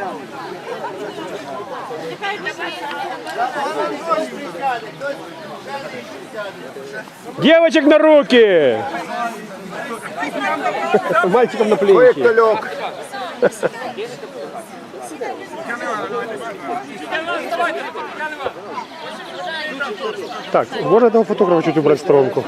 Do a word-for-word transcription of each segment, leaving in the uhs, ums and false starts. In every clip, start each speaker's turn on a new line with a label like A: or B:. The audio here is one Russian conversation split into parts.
A: Девочек на руки! Мальчикам на плечи. Так, можно этого фотографа чуть убрать в сторонку?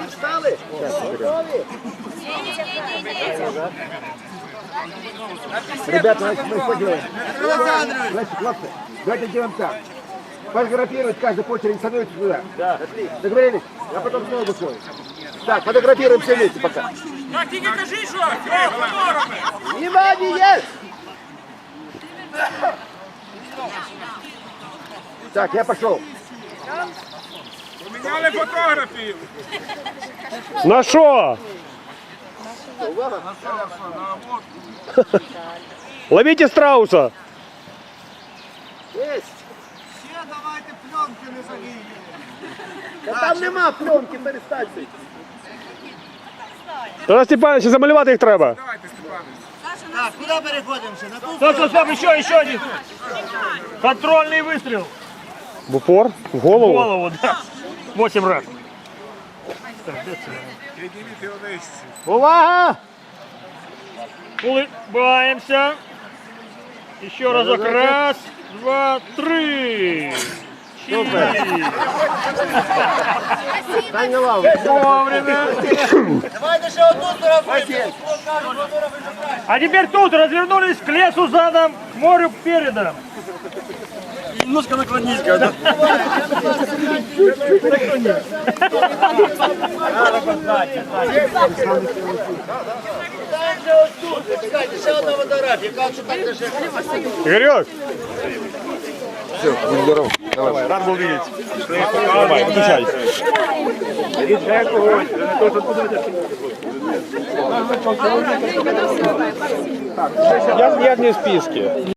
B: Ребята, значит, мы что делаем? Значит, хлопцы, давайте делаем так. Фотографировать каждый по очереди становится туда. Да. Договорились? Я потом снова выходим. Так, фотографируем все вместе пока.
C: Так, ты не кажи, что? Фотографы!
B: Внимание! Так, я пошел.
C: Поміняли фотографію.
A: На что? Ловите страуса!
B: Есть.
D: Ще давайте пленки не загинемо.
B: Да там нема пленки, перестаньте.
A: Тарас Степанович, замалювати їх треба.
C: Давайте, Степанович.
D: Так, куди переходимо ще? На ту
E: Стоп, стоп, стоп, еще, еще один. Контрольный выстрел.
A: В упор? В
E: В
A: голову?
E: голову, да. Восемь раз.
C: Підніміть його нижче.
B: Увага!
E: Улыбаемся. Еще разок. Раз, два, три. Четыре.
B: Стань на лаву.
E: Вовремя.
D: Давайте ще одну сторону.
E: А теперь тут развернулись к лесу задом, к морю передом. Немножко наклонись, когда.
D: Ще одна фотографія. Кажуть, що так же.
A: Игорек!
B: Все, будь здоров. Давай.
A: Рад был видеть. Давай, выключай. Я, я не в списке.